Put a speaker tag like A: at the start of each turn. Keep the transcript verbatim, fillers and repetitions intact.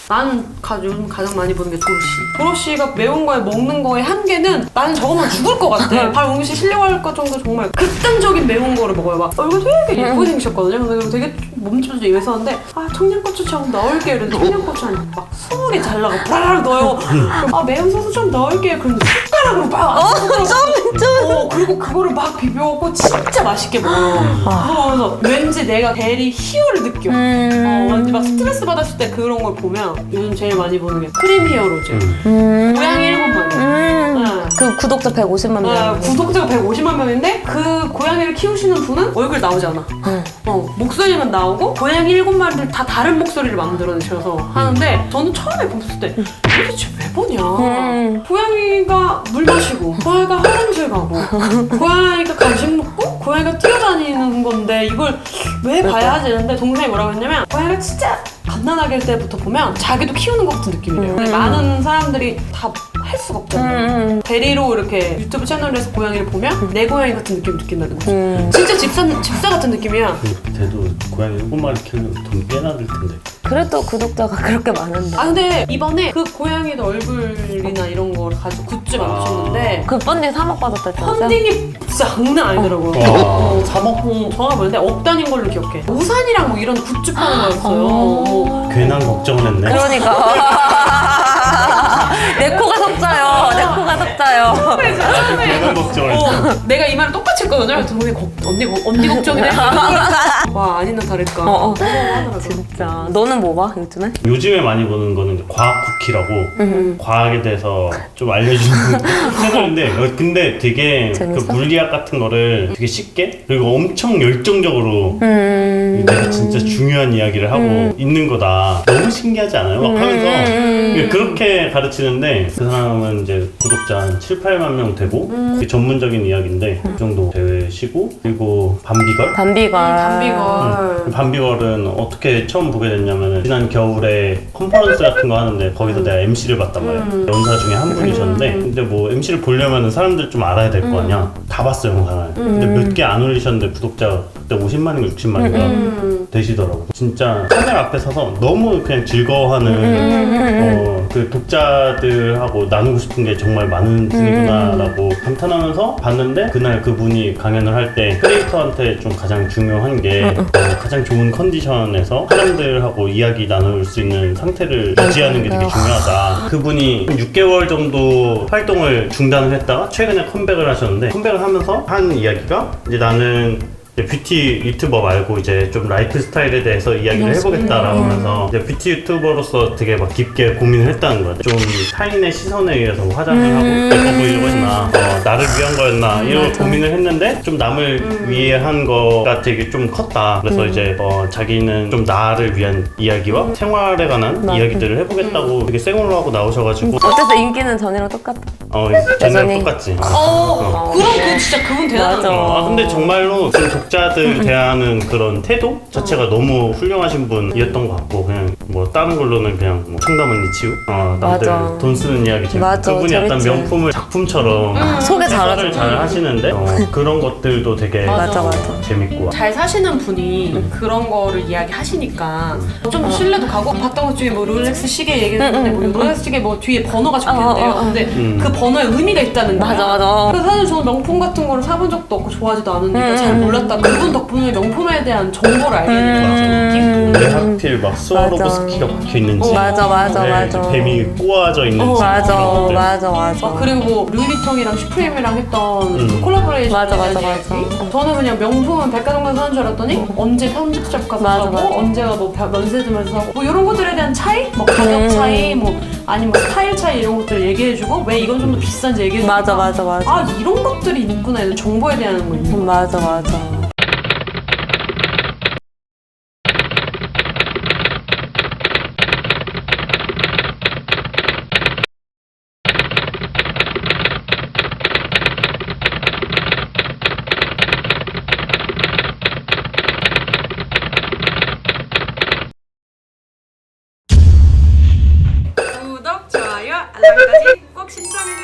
A: 나는 가, 요즘 가장 많이 보는 게 도로시. 도로시가 매운 거에 먹는 거의 한계는 나는 저거만 죽을 것 같아. 발 응시 실려갈 것 정도 정말 극단적인 매운 거를 먹어요. 막 얼굴 되게 예쁘게 생기셨거든요. 근데 되게 몸집도 좀 예외였는데 아 청양고추 좀 넣을게요. 이랬는데 청양고추 한 막 스무 개 잘라고 브라락 넣어요. 아 매운 소스 좀 넣을게요. 그런데 숟가락으로 막
B: 어, 좀,
A: 어, 그리고 그거를 막 비벼갖고 진짜 맛있게 먹어요. 그러면서 왠지 내가 대리 희열을 느껴.
B: 음.
A: 어, 왠지 막 스트레스 받았을 때 그런 걸 보면 요즘 제일 많이 보는 게 크림 히어로즈.
B: 음.
A: 고양이 일곱 마리.
B: 음.
A: 네.
B: 그 구독자 백오십만 명.
A: 아, 구독자가 백오십만 명인데 그 고양이를 키우시는 분은 얼굴 나오지 않아.
B: 응.
A: 어, 목소리만 나오고 고양이 일곱 마리를 다 다른 목소리를 만들어내셔서 하는데 저는 처음에 봤을 때 도대체 왜 보냐.
B: 음.
A: 고양이가 물 마시고 고양이가 화장실 가고 고양이가 간식 먹고 고양이가 뛰어다니는 건데 이걸 왜 봐야 하지 했는데 동생이 뭐라고 했냐면 고양이가 진짜 갓난아기 때부터 보면 자기도 키우는 것 같은 느낌이래요. 근데 많은 사람들이 다 할 수가 없잖아요.
B: 음.
A: 대리로 이렇게 유튜브 채널에서 고양이를 보면 내 고양이 같은 느낌을 느낀다는 거지.
B: 음.
A: 진짜 집사, 집사 같은 느낌이야.
C: 걔도 고양이 일곱 마리 키우면 돈 꽤나 들 텐데.
B: 그래도 구독자가 그렇게 많은데.
A: 아 근데 이번에 그 고양이도 얼굴이나 이런 걸 가지고 굿즈 만드셨는데
B: 그 펀딩 삼억 받았다면서요?
A: 펀딩이 진짜 장난 아니더라고요.
C: 와,
A: 어,
C: 삼억?
A: 어, 정확히 뭐였는데 억 단인 걸로 기억해. 우산이랑 뭐 이런 굿즈 파는 거였어요. 어.
C: 괜한 걱정을 했네.
B: 그러니까. 내 코가 석자요. 내 코가 석자요.
C: 아주 괜한 걱정을 했어.
A: 어, 내가 이 말을 똑같이 했거든요. 동생이 걱- 언니, 걱- 언니 걱정이네. 와 아니나 다를까.
B: 어, 어.
A: 하더라고요.
B: 진짜. 너는 뭐 봐, 요즘에?
C: 요즘에 많이 보는 거는 이제 과학 쿠키라고
B: 음.
C: 과학에 대해서 좀 알려주는 채널인데 어, 근데 되게 그
B: 재밌어?
C: 물리학 같은 거를 되게 쉽게 그리고 엄청 열정적으로
B: 음.
C: 내가 진짜 중요한 이야기를 하고
B: 음.
C: 있는 거다. 너무 신기하지 않아요? 막 하면서
B: 음.
C: 그렇게 가르치는데 그 사람은 이제 구독자 한 칠, 팔만 명 되고 되게 전문적인 이야기인데 그 정도 되시고 그리고 밤비걸?
B: 밤비걸.
A: 담비걸.
C: 밤비걸은 어떻게 처음 보게 됐냐면 지난 겨울에 컨퍼런스 같은 거 하는데 거기서 내가 엠씨를 봤단 말이야.
A: 음.
C: 연사 중에 한 분이셨는데 근데 뭐 엠씨를 보려면 사람들 좀 알아야 될 거 아니야. 다 봤어요 영상을. 근데 몇 개 안 올리셨는데 구독자가 그때 오십만인가 육십만인가
A: 음.
C: 되시더라고. 진짜 카메라 앞에 서서 너무 그냥 즐거워하는 어, 그 독자들하고 나누고 싶은 게 정말 많은 분이구나라고 감탄하면서 봤는데 그날 그분이 강연을 할 때 크리에이터한테 좀 가장 중요한 게 어, 가장 좋은 컨디션에서 사람들하고 이야기 나눌 수 있는 상태를 유지하는 게 되게 중요하다. 그분이 육 개월 정도 활동을 중단을 했다가 최근에 컴백을 하셨는데 컴백을 하면서 한 이야기가 이제 나는 이제 뷰티 유튜버 말고 이제 좀 라이프 스타일에 대해서 이야기를 해보겠다라고 하면서 이제 뷰티 유튜버로서 되게 막 깊게 고민을 했다는 거야. 좀 타인의 시선에 의해서 화장을 하고 예뻐 보이려고 했나 어, 나를 위한 거였나 이런 걸 고민을 했는데 좀 남을 위해 한 거가 되게 좀 컸다. 그래서 이제 어, 자기는 좀 나를 위한 이야기와 생활에 관한
B: 맞아.
C: 이야기들을 해보겠다고 되게 생얼로 하고 나오셔가지고
B: 어쨌든 인기는 전이랑 똑같아.
C: 어, 쟤네랑
B: 여전히.
C: 똑같지.
A: 어,
B: 어.
A: 그럼 그 진짜 그분 대단하다.
B: 맞아.
C: 아 근데 정말로 그 독자들 대하는 그런 태도 자체가 너무 훌륭하신 분이었던 것 같고 그냥 뭐 다른 걸로는 그냥 뭐 청담 언니 치우 어 남들
B: 맞아.
C: 돈 쓰는 이야기 재밌고
B: 맞아,
C: 그분이 약간
B: 재밌지.
C: 명품을 작품처럼
B: 소개 잘하죠.
C: 해설을 잘 하시는데 어, 그런 것들도 되게
B: 맞아, 맞아.
C: 재밌고
A: 잘 사시는 분이 그런 거를 이야기하시니까 좀 신뢰도 가고 봤던 것 중에 뭐 롤렉스 시계 얘기했는데 뭐 롤렉스 시계 뭐 뒤에 번호가 적혀있대요.
B: 어, 어, 어.
A: 근데
C: 음.
A: 그 번호에 의미가 있다는 거야.
B: 맞아, 맞아.
A: 그래서 사실 저는 명품 같은 거를 사본 적도 없고 좋아하지도 않으니까
B: 음.
A: 잘 몰랐다. 그분 덕분에 명품에 대한 정보를 알게 된 것 같은 느낌?
C: 왜 하필 막 스와로브스키가 박혀있는지
B: 맞아, 맞아,
C: 네,
B: 맞아.
C: 뱀이 꼬아져 있는지
B: 맞아,
C: 그런 것들.
B: 맞아, 맞아.
A: 어, 그리고 뭐 루이비통이랑 슈프림이랑 했던
C: 음.
A: 그 콜라보레이션
B: 맞아, 맞아,
A: 이야기.
B: 맞아.
A: 저는 그냥 명품은 백화점에서 사는 줄 알았더니 언제 편집샵 가서
B: 맞아,
A: 사고
B: 맞아.
A: 언제가 뭐 벼- 면세점에서 사고 뭐 이런 것들에 대한 차이? 뭐 가격
B: 음.
A: 차이 뭐 아니면 뭐 스타일 차이 이런 것들 얘기해주고 왜 이건 좀 더 비싼지 얘기해주고
B: 맞아, 맞아, 맞아.
A: 아 이런 것들이 있구나 이런 정보에 대한 거 있는 거
B: 맞아, 맞아.
A: 구독, 좋아요, 알람까지 꼭 신청해주세요.